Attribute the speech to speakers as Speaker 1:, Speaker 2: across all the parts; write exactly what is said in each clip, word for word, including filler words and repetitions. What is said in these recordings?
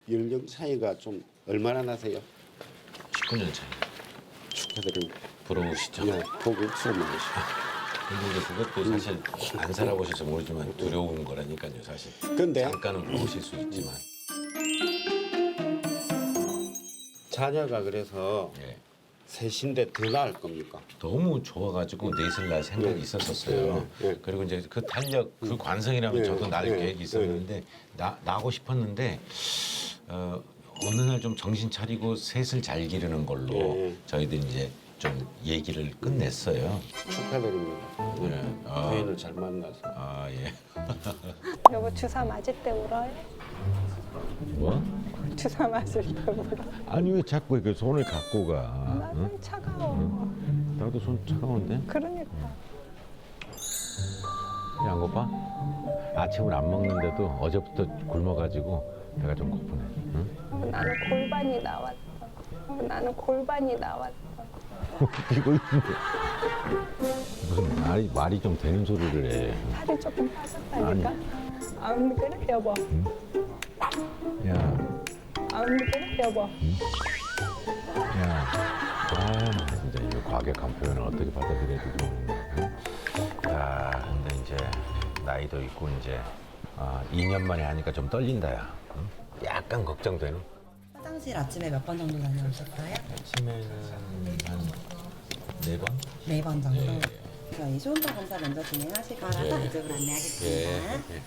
Speaker 1: 연령 차이가 좀 얼마나 나세요?
Speaker 2: 십구 년 차이.
Speaker 1: 축하드립니다.
Speaker 2: 부러우시죠?
Speaker 1: 네, 고급스러운 맛이죠.
Speaker 2: 근데 이제 그것도 사실 안 살아보셔서 모르지만 두려운 거라니까요, 사실.
Speaker 1: 근데
Speaker 2: 잠깐은 부러우실 수 있지만.
Speaker 1: 자녀가 그래서
Speaker 2: 예.
Speaker 1: 셋인데 더 나을 겁니까?
Speaker 2: 너무 좋아가지고 넷을 낳을 생각이
Speaker 1: 네.
Speaker 2: 있었었어요.
Speaker 1: 네, 네.
Speaker 2: 그리고 이제 그 탄력, 그 관성이라면
Speaker 1: 네,
Speaker 2: 저도 낳을
Speaker 1: 네,
Speaker 2: 계획이 있었는데 나, 낳고 싶었는데 어, 어느 날 좀 정신 차리고 셋을 잘 기르는 걸로
Speaker 1: 네.
Speaker 2: 저희들이 이제 좀 얘기를 끝냈어요.
Speaker 1: 축하드립니다.
Speaker 2: 네. 아.
Speaker 1: 부인을 잘 만나서.
Speaker 2: 아 예.
Speaker 3: 여보 주사 맞을 때 울어요?
Speaker 2: 뭐?
Speaker 3: 주사 맞을 때 울어?
Speaker 2: 아니 왜 자꾸 이렇게 손을 갖고 가?
Speaker 3: 나는 차가워.
Speaker 2: 나도 손 차가운데?
Speaker 3: 그러니까.
Speaker 2: 안 고파? 아침을 안 먹는데도 어제부터 굶어가지고 배가 좀 고프네. 응?
Speaker 3: 어, 나는 골반이 나왔어. 어, 나는 골반이 나왔어.
Speaker 2: 웃기고 있는데 무슨 말이, 말이 좀 되는 소리를 해.
Speaker 3: 살이 조금 빠졌다니까. 안 그래 여보?
Speaker 2: 야,
Speaker 3: 안 그래 여보?
Speaker 2: 야, 아 진짜 이 과격한 표현을 어떻게 받아들여야 되지 모르겠네. 야, 근데 이제 나이도 있고 이제 아, 이 년 만에 하니까 좀 떨린다야. 응? 약간 걱정되는.
Speaker 4: 화장실 아침에 몇 번 정도 다녀오셨어요?
Speaker 2: 아침에는 한 네 번?
Speaker 4: 네 번 정도?
Speaker 2: 예.
Speaker 4: 저희 소음파 검사 먼저 진행하실 거라서
Speaker 2: 예.
Speaker 4: 이쪽으로
Speaker 2: 예.
Speaker 4: 안내하겠습니다.
Speaker 2: 예.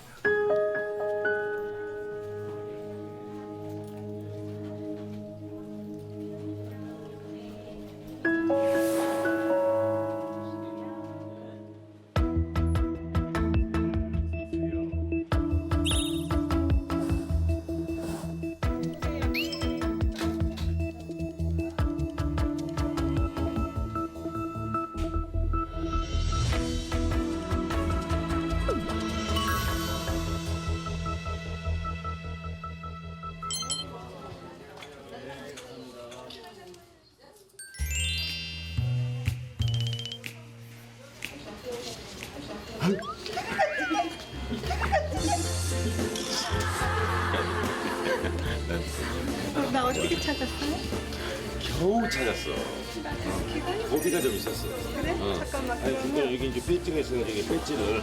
Speaker 3: 나 어떻게 찾았어요?
Speaker 2: 겨우 찾았어. 어. 고비가 좀 있었어.
Speaker 3: 그래?
Speaker 2: 어.
Speaker 3: 잠깐만.
Speaker 2: 아니 근데 여기 이제 배지가 있어서 여기 배지를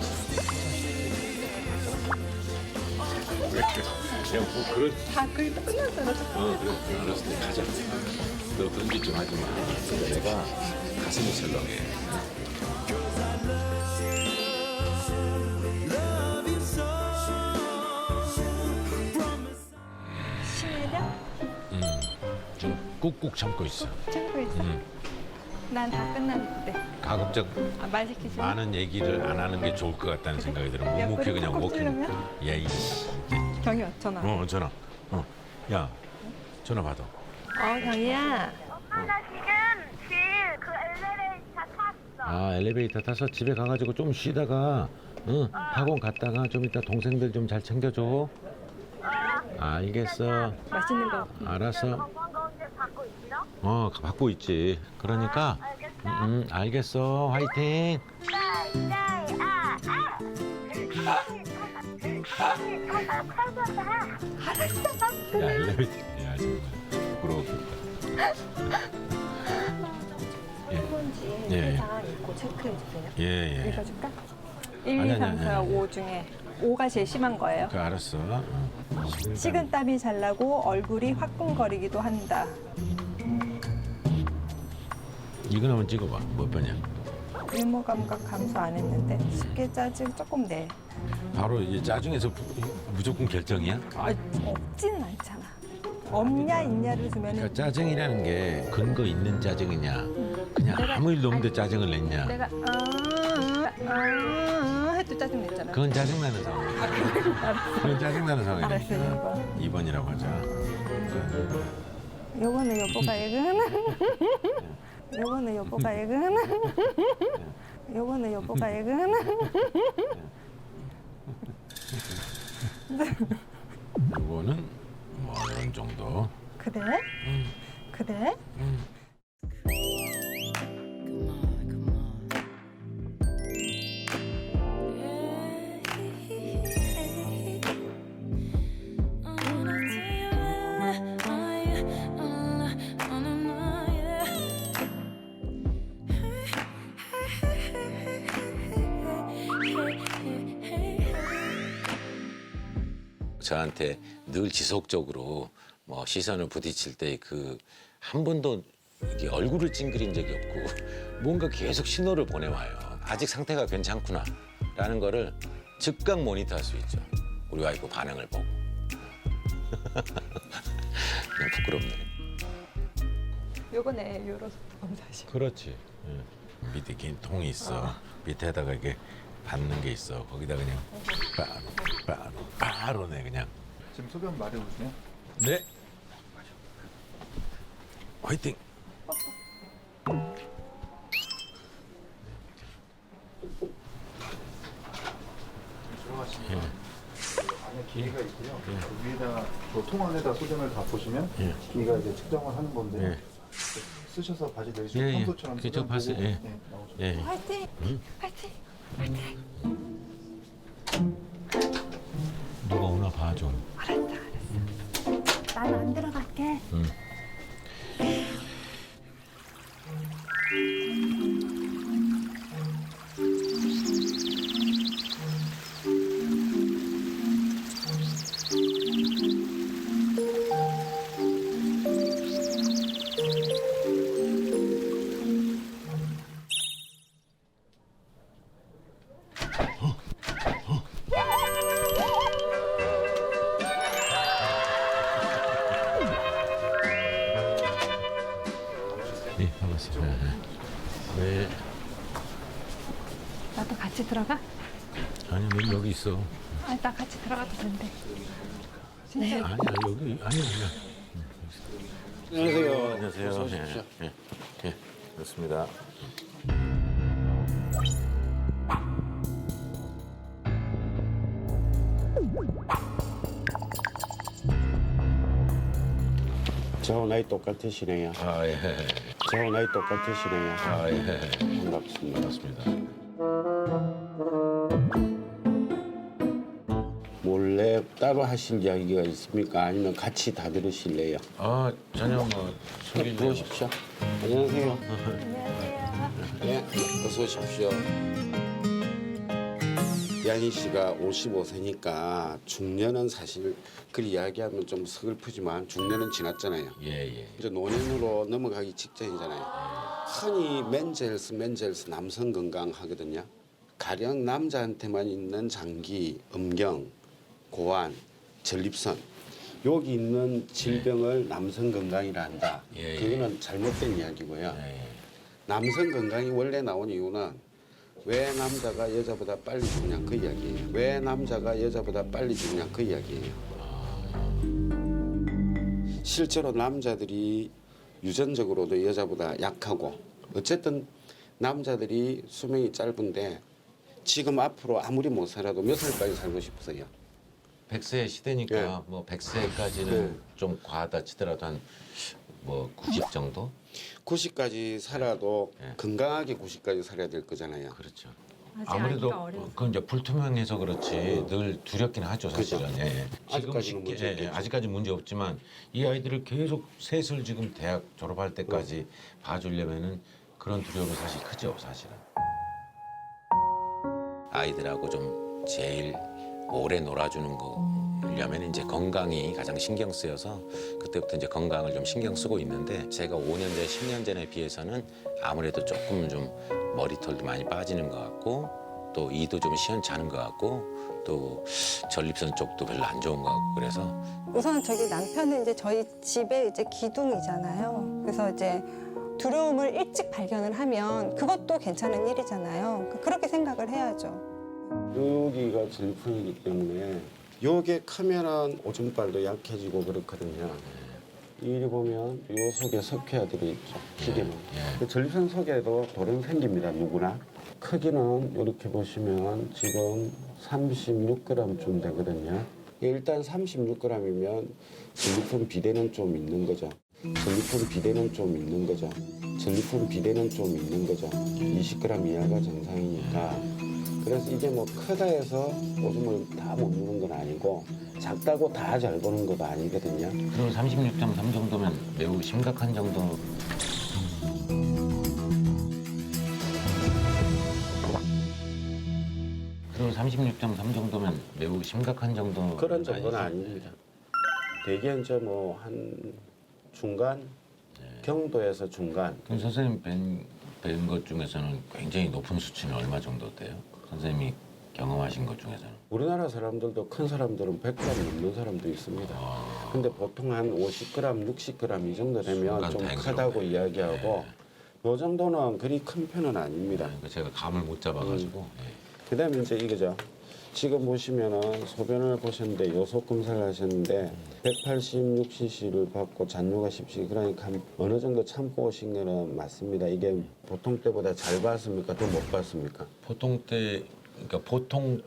Speaker 2: 그냥 뭐 그런
Speaker 3: 다 그게 다 끝났잖아.
Speaker 2: 어 그래 알았을 때 가자. 너 그런 짓 좀 하지 마. 내가 가슴이 설렁해.
Speaker 3: 신혜령?
Speaker 2: 좀 꾹꾹 참고 있어.
Speaker 3: 참고 있어.
Speaker 2: 음.
Speaker 3: 난 다 끝났는데.
Speaker 2: 가급적
Speaker 3: 아, 말 시키지 마.
Speaker 2: 많은 얘기를 안 하는 게 좋을 것 같다는 생각이 들어. 묵묵히 그냥
Speaker 3: 꼭
Speaker 2: 워킹.
Speaker 3: 찌르면?
Speaker 2: 야 이씨.
Speaker 3: 경이 전화.
Speaker 2: 어 전화. 어. 야 전화 받아.
Speaker 3: 어 경이야.
Speaker 5: 엄마 나 지금 집 그 엘리베이터 탔어.
Speaker 2: 아 엘리베이터 타서 집에 가가지고 좀 쉬다가 응, 학원 갔다가 좀 이따 동생들 좀 잘 챙겨줘. 알겠어.
Speaker 3: 맛있는 거.
Speaker 2: 알았어.
Speaker 5: 건강가운데 받고 있어?
Speaker 2: 어 받고 있지. 그러니까
Speaker 5: 알겠어.
Speaker 2: 음, 음, 알겠어. 화이팅.
Speaker 5: 네, 네, 아, 아. 언니 저다 찾았다. 알았어.
Speaker 2: 야 엘리베이터. 야 정말 부끄러웠겠다.
Speaker 3: 뭔지
Speaker 2: 예, 예.
Speaker 3: 일단 읽고 체크해 주세요.
Speaker 2: 예예.
Speaker 3: 읽어줄까?
Speaker 2: 아니,
Speaker 3: 일, 이,
Speaker 2: 아니,
Speaker 3: 삼,
Speaker 2: 아니,
Speaker 3: 사,
Speaker 2: 아니.
Speaker 3: 오 중에 오가 제일 심한 거예요.
Speaker 2: 그 알았어. 어.
Speaker 3: 식은땀이 잘 나고 얼굴이 화끈거리기도 한다.
Speaker 2: 이거 한번 찍어봐. 몇 번이야?
Speaker 3: 유머 감각 감소 안 했는데 쉽게 짜증 조금 내.
Speaker 2: 바로 이제 짜증에서 부- 무조건 결정이야?
Speaker 3: 아, 없지는 않잖아. 없냐 있냐를 주면
Speaker 2: 그러니까 짜증이라는 게 근거 있는 짜증이냐, 그냥
Speaker 3: 내가-
Speaker 2: 아무 일도 없는데
Speaker 3: 아니,
Speaker 2: 짜증을 냈냐.
Speaker 3: 내가 아, 아, 아 해도 짜증 냈잖아.
Speaker 2: 그건 짜증나는 상황이야. 그건 짜증나는
Speaker 3: 알았어,
Speaker 2: 상황이니까. 이 번이라고 하자.
Speaker 3: 요거는 여보가 읽은. 요거는 여보가 읽은. 요거는 여보가 읽은.
Speaker 2: 이거는 뭐 어느 정도.
Speaker 3: 그래? 그래?
Speaker 6: 저한테 늘 지속적으로 뭐 시선을 부딪힐 때 그 한 번도 이게 얼굴을 찡그린 적이 없고 뭔가 계속 신호를 보내와요. 아직 상태가 괜찮구나라는 거를 즉각 모니터할 수 있죠. 우리 와이프 반응을 보고. 그냥 부끄럽네.
Speaker 3: 요거네 요로 소품 사실.
Speaker 2: 그렇지. 예. 밑에 긴 통이 있어. 밑에다가 이게 받는 게 있어. 거기다 그냥 바로 바로 바로네 그냥.
Speaker 7: 지금 소변 마려우세요?
Speaker 2: 네. 화이팅.
Speaker 7: 들어가시면 안에 기계가 있고요. 그 위에다가 그 통 안에다 소변을 다 보시면
Speaker 2: 예.
Speaker 7: 기계가 이제 측정을 하는 건데
Speaker 2: 예.
Speaker 7: 쓰셔서 바지 내리시고
Speaker 2: 예, 예.
Speaker 7: 평소처럼
Speaker 2: 그저
Speaker 7: 소변
Speaker 2: 봤어요.
Speaker 7: 보고
Speaker 2: 예.
Speaker 7: 네, 나오죠.
Speaker 2: 예.
Speaker 3: 화이팅! 화이팅!
Speaker 2: 누가 오나 봐 좀.
Speaker 3: 알았어 알았어. 나는 안 들어갈게.
Speaker 2: 응. 예, 반갑습니다. 네.
Speaker 3: 나도 같이 들어가?
Speaker 2: 아니, 너 여기 있어.
Speaker 3: 아, 나 같이 들어가도 된대.
Speaker 2: 아니야, 여기 아니야, 아니야.
Speaker 1: 안녕하세요.
Speaker 2: 안녕하세요.
Speaker 1: 어서 오십시오.
Speaker 2: 예, 예, 예, 그렇습니다.
Speaker 1: 저하고 나이 똑같으시네요.
Speaker 2: 아, 예.
Speaker 1: 저하고 나이 똑같으시네요.
Speaker 2: 아, 예.
Speaker 1: 반갑습니다.
Speaker 2: 반갑습니다.
Speaker 1: 몰래 따로 하실 이야기가 있습니까? 아니면 같이 다 들으실래요?
Speaker 2: 아, 전혀 뭐 소리
Speaker 1: 들어오십시오. 안녕하세요.
Speaker 3: 안녕하세요.
Speaker 1: 네, 어서 오십시오. 양희 씨가 오십오 세니까 중년은 사실 그 이야기하면 좀 서글프지만 중년은 지났잖아요.
Speaker 2: 예, 예.
Speaker 1: 이제 노년으로 넘어가기 직전이잖아요. 흔히 맨젤스, 맨젤스 남성 건강 하거든요. 가령 남자한테만 있는 장기, 음경, 고환, 전립선 여기 있는 질병을 남성 건강이라 한다.
Speaker 2: 예, 예.
Speaker 1: 그거는 잘못된 이야기고요.
Speaker 2: 예, 예.
Speaker 1: 남성 건강이 원래 나온 이유는 왜 남자가 여자보다 빨리 죽냐 그 이야기예요. 왜 남자가 여자보다 빨리 죽냐 그 이야기예요. 실제로 남자들이 유전적으로도 여자보다 약하고 어쨌든 남자들이 수명이 짧은데 지금 앞으로 아무리 못 살아도 몇 살까지 살고 싶으세요?
Speaker 6: 백 세 시대니까
Speaker 1: 예.
Speaker 6: 뭐 백 세까지는
Speaker 1: 예.
Speaker 6: 좀 과하다 치더라도 한 뭐 구십 정도?
Speaker 1: 구십까지 살아도
Speaker 6: 예.
Speaker 1: 건강하게 구십까지 살아야 될 거잖아요.
Speaker 6: 그렇죠.
Speaker 3: 아직
Speaker 6: 아무래도
Speaker 3: 아기가 어려서.
Speaker 6: 그건 이제 불투명해서 그렇지 늘 두렵긴 하죠 사실은.
Speaker 1: 그죠.
Speaker 6: 예, 예. 지금
Speaker 1: 아직까지는
Speaker 6: 쉽게
Speaker 1: 문제
Speaker 6: 예, 예,
Speaker 1: 없겠죠.
Speaker 6: 아직까지 문제 없지만 이 아이들을 계속 셋을 지금 대학 졸업할 때까지 봐주려면은 그런 두려움이 사실 크죠 사실은. 아이들하고 좀 제일 오래 놀아주는 거려면 이제 건강이 가장 신경 쓰여서 그때부터 이제 건강을 좀 신경 쓰고 있는데 제가 오 년 전, 십 년 전에 비해서는 아무래도 조금 좀 머리털도 많이 빠지는 것 같고 또 이도 좀 시원찮은 것 같고 또 전립선 쪽도 별로 안 좋은 것 같고 그래서
Speaker 8: 우선 저기 남편은 이제 저희 집에 이제 기둥이잖아요. 그래서 이제 두려움을 일찍 발견을 하면 그것도 괜찮은 일이잖아요. 그렇게 생각을 해야죠.
Speaker 1: 여기가 전립선이기 때문에 요게 크면은 오줌발도 약해지고 그렇거든요. 이리 보면 요 속에 석회화들이 있죠. 기계는. 그 전립선 속에도 돌은 생깁니다. 누구나. 크기는 이렇게 보시면 지금 삼십육 그램쯤 되거든요. 일단 삼십육 그램이면 전립선 비대는 좀 있는 거죠. 전립선 비대는 좀 있는 거죠. 전립선 비대는 좀 있는 거죠. 이십 그램 이하가 정상이니까. 그래서 이게 뭐 크다 해서 오줌을 다 못 누는 건 아니고 작다고 다 잘 보는 것도 아니거든요.
Speaker 6: 그럼 삼십육 점 삼 정도면 매우 심각한 정도. 그럼 정도면 삼십육 점 삼 정도면 매우 심각한 정도.
Speaker 1: 그런 정도는 아닙니다. 대개 이제 뭐 한 중간, 경도에서 중간.
Speaker 6: 그럼 선생님 뵌, 뵌 것 중에서는 굉장히 높은 수치는 얼마 정도 돼요? 선생님이 경험하신 것 중에서는.
Speaker 1: 우리나라 사람들도 큰 사람들은 백 그램 넘는 사람도 있습니다.
Speaker 6: 아,
Speaker 1: 근데 보통 한 오십 그램, 육십 그램 이 정도 되면
Speaker 6: 순간
Speaker 1: 좀
Speaker 6: 다행스럽네.
Speaker 1: 크다고 이야기하고 요 정도는 그리 큰 편은 아닙니다.
Speaker 6: 그러니까 제가 감을 못 잡아가지고. 예.
Speaker 1: 그다음에 이제 이거죠. 지금 보시면은 소변을 보셨는데 요소 검사를 하셨는데 백팔십육 씨씨를 받고 잔뇨가 십 씨 그러니까 한 어느 정도 참고 오신 거는 맞습니다. 이게 보통 때보다 잘 봤습니까? 더 못 봤습니까?
Speaker 6: 보통 때, 그러니까 보통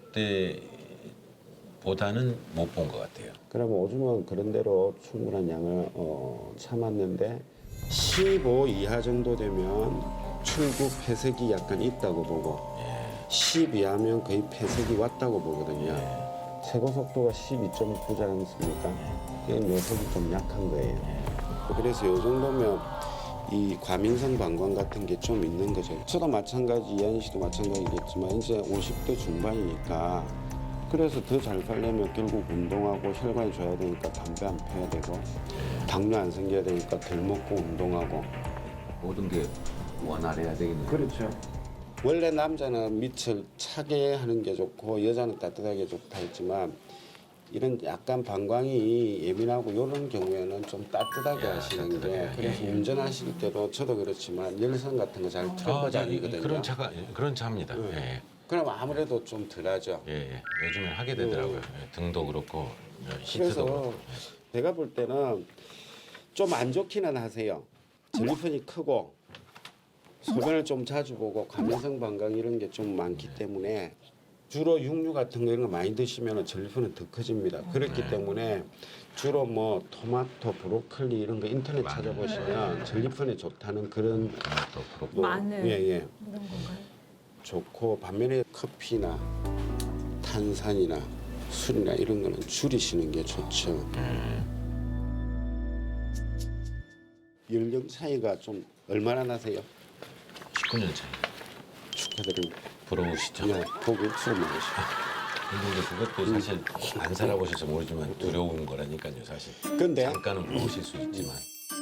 Speaker 6: 때보다는 못 본 것 같아요.
Speaker 1: 그러면 오줌은 그런 대로 충분한 양을 어, 참았는데 십오 이하 정도 되면 출구 폐색이 약간 있다고 보고 십 이하면 거의 폐색이 왔다고 보거든요. 최고 속도가 십이 점 구지 않습니까? 그냥 녀석이 좀 약한 거예요. 그래서 이 정도면 이 과민성 방광 같은 게 좀 있는 거죠. 저도 마찬가지, 이한희 씨도 마찬가지겠지만 이제 오십 대 중반이니까 그래서 더 잘 살려면 결국 운동하고 혈관이 좋아야 되니까 담배 안 펴야 되고 당뇨 안 생겨야 되니까 덜 먹고 운동하고
Speaker 6: 모든 게 원활해야 되겠네요.
Speaker 1: 그렇죠. 원래 남자는 밑을 차게 하는 게 좋고 여자는 따뜻하게 좋다 했지만 이런 약간 방광이 예민하고 이런 경우에는 좀 따뜻하게
Speaker 6: 야,
Speaker 1: 하시는 게
Speaker 6: 따뜻하게.
Speaker 1: 그래서
Speaker 6: 예, 예.
Speaker 1: 운전하실 때도 저도 그렇지만 열선 같은 거 잘 틀어보지
Speaker 6: 아,
Speaker 1: 않거든요.
Speaker 6: 그런 차가 그런 차입니다.
Speaker 1: 네.
Speaker 6: 예,
Speaker 1: 그럼 아무래도 좀 덜하죠.
Speaker 6: 예, 예. 요즘엔 하게 되더라고요. 예, 등도 그렇고 시트도
Speaker 1: 그래서
Speaker 6: 그렇고.
Speaker 1: 제가 볼 때는 좀 안 좋기는 하세요. 전립선이 크고 소변을 좀 자주 보고 과민성 방광 이런 게 좀 많기 때문에 주로 육류 같은 거 이런 거 많이 드시면 전립선은 더 커집니다. 그렇기 때문에 주로 뭐 토마토, 브로콜리 이런 거 인터넷 찾아보시면 전립선에 좋다는 그런
Speaker 6: 또 그렇고.
Speaker 1: 뭐,
Speaker 3: 마늘.
Speaker 1: 예, 예.
Speaker 3: 이런 건가요?
Speaker 1: 좋고 반면에 커피나 탄산이나 술이나 이런 거는 줄이시는 게 좋죠. 연령 차이가 좀 얼마나 나세요?
Speaker 6: 십구 년 차이.
Speaker 1: 축하드립니다.
Speaker 6: 부러우시죠?
Speaker 1: 네, 고급스러운 맛이죠.
Speaker 6: 근데 이제 그것도 사실 안 살아보셔서 모르지만 두려운 거라니까요, 사실.
Speaker 1: 근데
Speaker 6: 잠깐은 부러우실 수 있지만.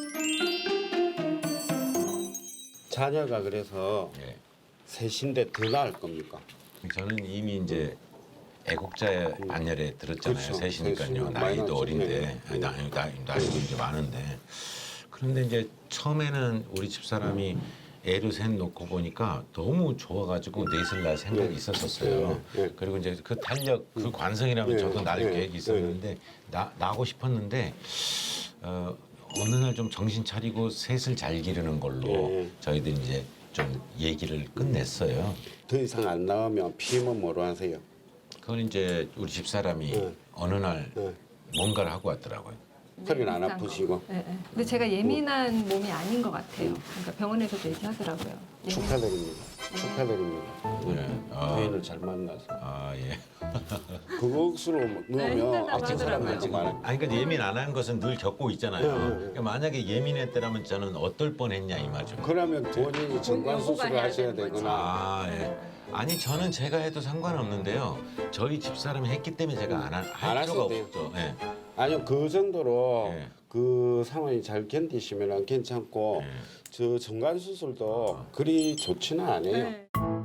Speaker 1: 자녀가 그래서
Speaker 6: 예.
Speaker 1: 셋인데 더 나을 겁니까?
Speaker 6: 저는 이미 이제 애국자의 반열에 들었잖아요.
Speaker 1: 그렇죠.
Speaker 6: 셋이니까요.
Speaker 1: 셋이면
Speaker 6: 나이도
Speaker 1: 많이
Speaker 6: 어린데
Speaker 1: 나죠.
Speaker 6: 나, 나, 나이도 이제 많은데. 그런데 이제 처음에는 우리 집사람이 애를 셋 놓고 보니까 너무 좋아가지고 넷을 낳을 생각이
Speaker 1: 네.
Speaker 6: 있었었어요.
Speaker 1: 네, 네.
Speaker 6: 그리고 이제 그 탄력, 그 관성이라면
Speaker 1: 네,
Speaker 6: 저도 낳을
Speaker 1: 네,
Speaker 6: 계획이 있었는데 나, 나고 싶었는데 어, 어느 날 좀 정신 차리고 셋을 잘 기르는 걸로
Speaker 1: 네.
Speaker 6: 저희들이 이제 좀 얘기를 끝냈어요.
Speaker 1: 더 이상 안 나오면 피임은 뭐로 하세요?
Speaker 6: 그건 이제 우리 집사람이
Speaker 1: 네.
Speaker 6: 어느 날
Speaker 1: 네.
Speaker 6: 뭔가를 하고 왔더라고요.
Speaker 1: 허리는 안
Speaker 3: 비싼 거.
Speaker 1: 아프시고
Speaker 3: 네, 네. 근데 제가 예민한 몸이 아닌 것 같아요. 그러니까 병원에서도 얘기하더라고요. 예민-
Speaker 1: 축하드립니다. 축하드립니다.
Speaker 6: 네. 아,
Speaker 1: 부인을 잘 만나서
Speaker 6: 아 예.
Speaker 1: 그것으로 넣으면
Speaker 3: 힘들다고
Speaker 1: 어떤 사람들도
Speaker 3: 하더라고요.
Speaker 1: 많아.
Speaker 6: 아니 그러니까 예민 안 하는 것은 늘 겪고 있잖아요.
Speaker 1: 네, 네, 네.
Speaker 6: 그러니까 만약에 예민했더라면 저는 어떨 뻔했냐 이 말이죠.
Speaker 1: 그러면 본인이 정관
Speaker 3: 요구가
Speaker 1: 수술을
Speaker 3: 해야
Speaker 1: 하셔야
Speaker 3: 되는 거지.
Speaker 1: 되거나
Speaker 6: 아 예. 아니 저는 제가 해도 상관없는데요. 저희 집사람이 했기 때문에 제가 안 할
Speaker 1: 안
Speaker 6: 필요가
Speaker 1: 하셔도 돼요.
Speaker 6: 없죠. 예.
Speaker 1: 아니요 그 정도로
Speaker 6: 예.
Speaker 1: 그 상황이 잘 견디시면 괜찮고
Speaker 6: 예.
Speaker 1: 저 정관 수술도 그리 좋지는 않아요.
Speaker 3: 네.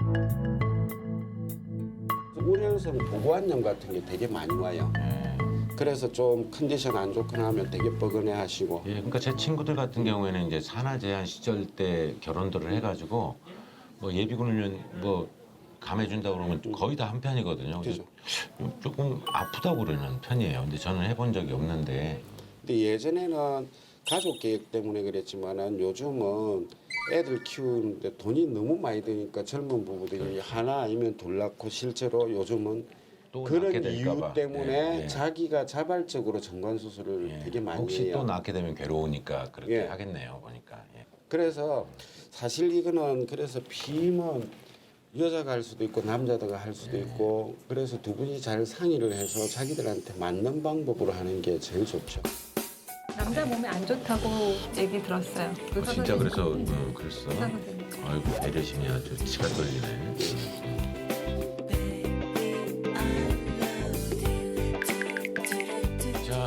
Speaker 1: 우려성 보고환염 같은 게 되게 많이 와요.
Speaker 6: 예.
Speaker 1: 그래서 좀 컨디션 안 좋거나 하면 되게 뻐근해 하시고
Speaker 6: 예, 그러니까 제 친구들 같은 경우에는 이제 산하 제한 시절 때 결혼들을 해가지고 뭐 예비군을 뭐 감해준다 그러면 거의 다 한 편이거든요.
Speaker 1: 그죠.
Speaker 6: 조금 아프다고 그러는 편이에요. 근데 저는 해본 적이 없는데
Speaker 1: 근데 예전에는 가족 계획 때문에 그랬지만은 요즘은 애들 키우는데 돈이 너무 많이 드니까 젊은 부부들이 하나 아니면 둘 낳고 실제로 요즘은
Speaker 6: 또
Speaker 1: 그런
Speaker 6: 낳게 될까
Speaker 1: 이유
Speaker 6: 봐.
Speaker 1: 때문에
Speaker 6: 예, 예.
Speaker 1: 자기가 자발적으로 정관 수술을
Speaker 6: 예.
Speaker 1: 되게 많이
Speaker 6: 혹시
Speaker 1: 해요.
Speaker 6: 또 낳게 되면 괴로우니까 그렇게
Speaker 1: 예.
Speaker 6: 하겠네요. 보니까. 예.
Speaker 1: 그래서 사실 이거는 그래서 피임은 여자가 할 수도 있고 남자가 할 수도 있고 그래서 두 분이 잘 상의를 해서 자기들한테 맞는 방법으로 하는 게 제일 좋죠.
Speaker 3: 남자 몸에 안 좋다고 얘기 들었어요. 그
Speaker 6: 어, 진짜
Speaker 3: 선생님.
Speaker 6: 그래서 음, 그랬어.
Speaker 3: 의사 선생님.
Speaker 6: 아이고 배려심이 아주 치가 떨리네.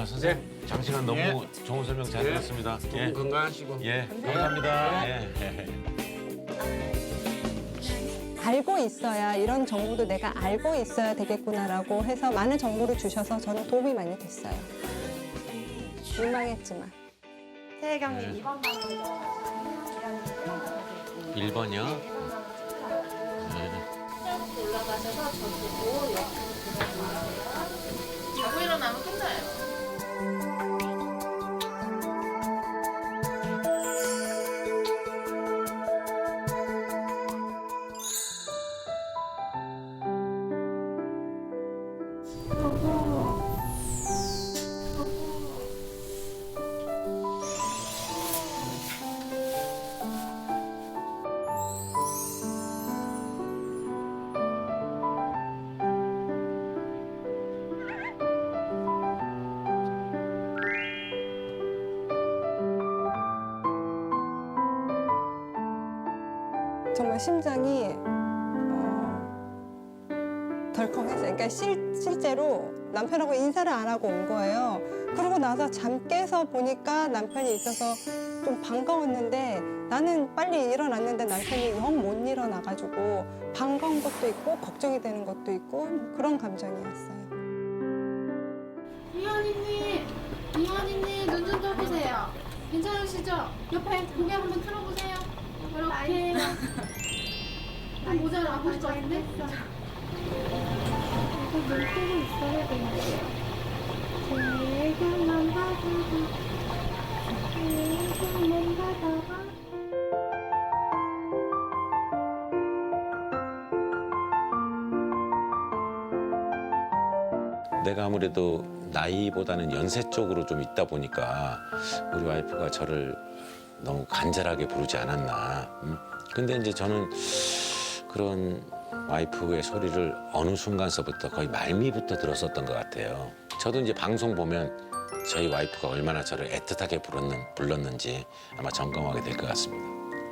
Speaker 2: 선생님 장시간 너무 좋은 설명 잘 들었습니다. 예.
Speaker 1: 건강하시고.
Speaker 2: 예, 감사합니다. 예.
Speaker 8: 알고 있어야 이런 정보도 내가 알고 있어야 되겠구나라고 해서 많은 정보를 주셔서 저는 도움이 많이 됐어요. 민망했지만.
Speaker 4: 세경님 이번 방으로
Speaker 6: 일 번이요?
Speaker 9: 올라가셔서 저보고 옆으로 들어주세요. 자고 일어나면 끝나요.
Speaker 8: 정말 심장이 어, 덜컹했어요. 그러니까 실, 실제로 남편하고 인사를 안 하고 온 거예요. 그러고 나서 잠 깨서 보니까 남편이 있어서 좀 반가웠는데 나는 빨리 일어났는데 남편이 영 못 일어나가지고 반가운 것도 있고 걱정이 되는 것도 있고 그런 감정이었어요.
Speaker 9: 이현이님, 이현이님 눈 좀 떠보세요. 괜찮으시죠? 옆에 고개 한번 틀어보세요. 이렇게. 한 모자를 안 보실 것 같은데? 이거 눈 뜨고 있어야 되는데요. 제일만 바다가, 제일만 바다가.
Speaker 6: 내가 아무래도 나이보다는 연세 쪽으로 좀 있다 보니까 우리 와이프가 저를 너무 간절하게 부르지 않았나. 음? 근데 이제 저는 그런 와이프의 소리를 어느 순간서부터 거의 말미부터 들었었던 것 같아요. 저도 이제 방송 보면 저희 와이프가 얼마나 저를 애틋하게 불렀는, 불렀는지 아마 점검하게 될 것 같습니다.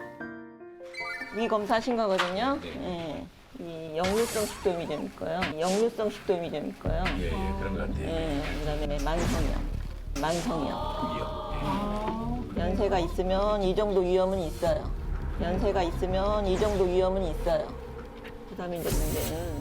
Speaker 10: 위 검사하신 거거든요. 예. 이 역류성 식도염이 좀 있고요. 역류성 식도염이 좀 있고요.
Speaker 2: 예, 예, 그런 것 같아요.
Speaker 10: 예. 그다음에 만성염, 만성염. 연세가 있으면 이 정도 위험은 있어요. 연세가 있으면 이 정도 위험은 있어요. 그다음에 이제 문제는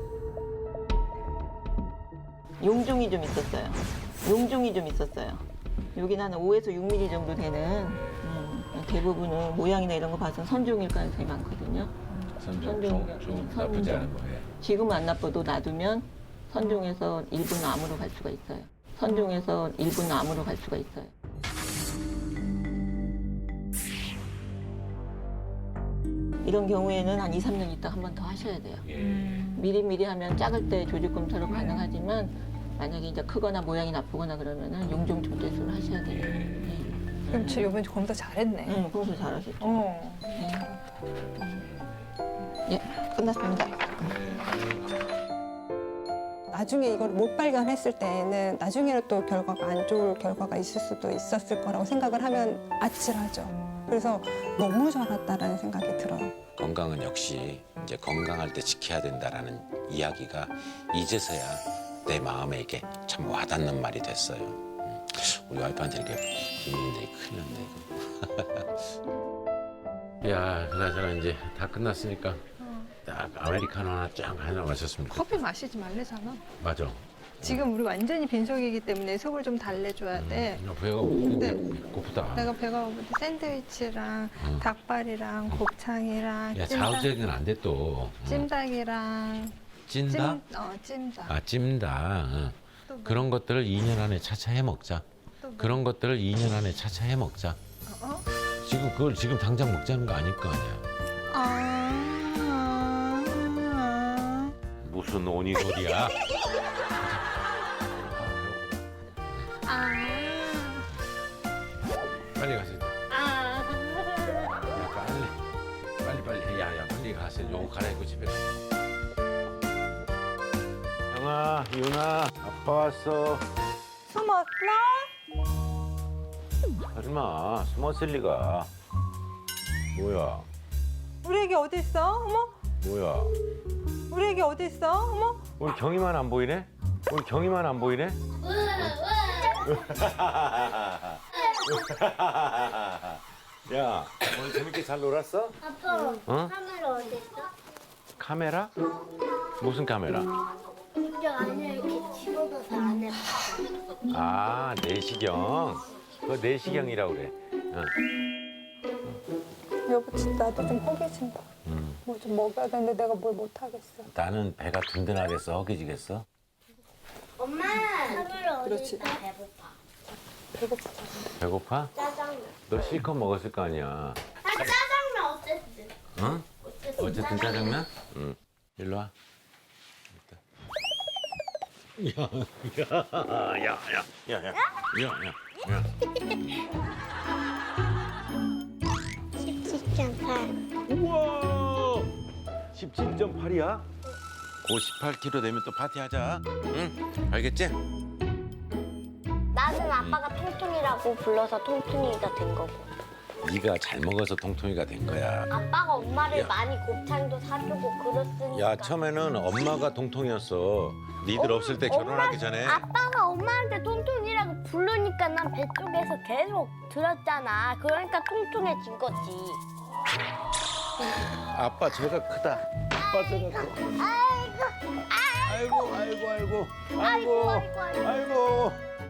Speaker 10: 용종이 좀 있었어요. 용종이 좀 있었어요. 여기는 한 오에서 육 밀리미터 정도 되는 음, 대부분은 모양이나 이런 거 봐서 선종일 가능성이 많거든요.
Speaker 2: 선종
Speaker 10: 선종,
Speaker 2: 좀, 좀
Speaker 10: 선종.
Speaker 2: 나쁘지 않은 거예요.
Speaker 10: 지금은 안 나빠도 놔두면 선종에서 일부는 암으로 갈 수가 있어요. 선종에서 일부는 암으로 갈 수가 있어요. 이런 경우에는 한 이, 삼 년 있다 한 번 더 하셔야 돼요. 미리미리 하면 작을 때 조직 검사로 가능하지만 만약에 이제 크거나 모양이 나쁘거나 그러면은 용종 조제술을 하셔야 돼요. 네.
Speaker 3: 그럼 저 이번에 검사 잘했네.
Speaker 10: 응, 평소 잘하셨죠.
Speaker 3: 어.
Speaker 10: 예, 끝났습니다.
Speaker 8: 나중에 이걸 못 발견했을 때는 나중에는 또 결과가 안 좋을 결과가 있을 수도 있었을 거라고 생각을 하면 아찔하죠. 그래서 너무 잘했다라는 생각이 들어요.
Speaker 6: 건강은 역시 이제 건강할 때 지켜야 된다라는 이야기가 이제서야 내 마음에 이게 참 와닿는 말이 됐어요. 음, 우리 와이프한테 이렇게 비밀인데 큰일 났네 이거.
Speaker 2: 야, 그나저나 이제 다 끝났으니까 딱 아메리카노 하나 쫙 하나 마셨습니다.
Speaker 3: 커피 마시지 말래잖아.
Speaker 2: 맞아.
Speaker 3: 지금 우리 완전히 빈속이기 때문에 속을 좀 달래줘야 돼.
Speaker 2: 나 배가
Speaker 3: 근데
Speaker 2: 고프다.
Speaker 3: 내가 배가 고픈데 샌드위치랑
Speaker 2: 응.
Speaker 3: 닭발이랑 곱창이랑
Speaker 2: 야,
Speaker 3: 찜닭,
Speaker 2: 자극적인 안 돼 또.
Speaker 3: 찜닭이랑
Speaker 2: 찐다?
Speaker 3: 찜, 어, 찜닭.
Speaker 2: 아, 찜다. 응.
Speaker 3: 또 뭐,
Speaker 2: 그런 것들을 이 년 안에 차차 해 먹자.
Speaker 3: 또 뭐,
Speaker 2: 그런 것들을 이 년 안에 차차 해 먹자.
Speaker 3: 어?
Speaker 2: 지금 그걸 지금 당장 먹자는 거 아닐 거 아니야.
Speaker 3: 아,
Speaker 2: 무슨 오니 소리야?
Speaker 3: 아,
Speaker 2: 빨리 가세요.
Speaker 3: 아.
Speaker 2: 야, 빨리. 빨리 빨리 해. 야, 야, 빨리 가세요. 요거 갈아입고 집에 가. 영아, 유나, 아빠 왔어.
Speaker 8: 숨었나?
Speaker 2: 설마 숨었을 리가. 뭐야?
Speaker 8: 우리 애기 어디 있어? 어머,
Speaker 2: 뭐야?
Speaker 8: 우리 애기 어디 있어? 어머.
Speaker 2: 우리 경이만 안 보이네? 우리 경이만 안 보이네? 야, 오늘 재밌게 잘 놀았어?
Speaker 5: 아빠,
Speaker 2: 어?
Speaker 5: 카메라 어디 있어?
Speaker 2: 카메라? 무슨 카메라?
Speaker 5: 저 안에 이렇게 집어넣어서 안에
Speaker 2: 아, 내시경. 그거 내시경이라고 그래. 어.
Speaker 8: 여보 진짜 나도 좀 허기진다.
Speaker 2: 음.
Speaker 8: 뭐 좀 먹어야 되는데 내가 뭘 못하겠어.
Speaker 2: 나는 배가 든든하겠어, 허기지겠어?
Speaker 5: 엄마, 카메라 어디
Speaker 8: 그렇지.
Speaker 5: 있어? 배고파.
Speaker 8: 배고프다.
Speaker 2: 배고파?
Speaker 5: 짜장면.
Speaker 2: 너 실컷 먹었을 거 아니야.
Speaker 5: 아, 짜장면 어쨌든.
Speaker 2: 응?
Speaker 5: 어쨌든,
Speaker 2: 어쨌든 짜장면? 응. 일로 와. 야, 야, 야, 야, 야, 야, 야, 야, 야.
Speaker 5: 십칠 점 팔.
Speaker 2: 우와! 십칠 점 팔이야? 고 십팔 킬로그램 되면 또 파티하자. 응? 알겠지?
Speaker 5: 나는 아빠가 통통이라고 불러서 통통이가 된 거고.
Speaker 6: 네가 잘 먹어서 통통이가 된 거야.
Speaker 5: 아빠가 엄마를
Speaker 6: 야.
Speaker 5: 많이 곱창도 사주고 그랬으니까.
Speaker 6: 야, 처음에는 엄마가 통통이었어. 니들 없을 때 결혼하기 전에.
Speaker 5: 아빠가 엄마한테 통통이라고 부르니까 난 배 쪽에서 계속 들었잖아. 그러니까 통통해진 거지.
Speaker 2: 아빠 제가 크다. 아빠 제가 커.
Speaker 5: 아이고,
Speaker 2: 아이고, 아이고, 아이고,
Speaker 5: 아이고,
Speaker 2: 아이고,
Speaker 5: 아이고, 아이고.
Speaker 2: 아이고.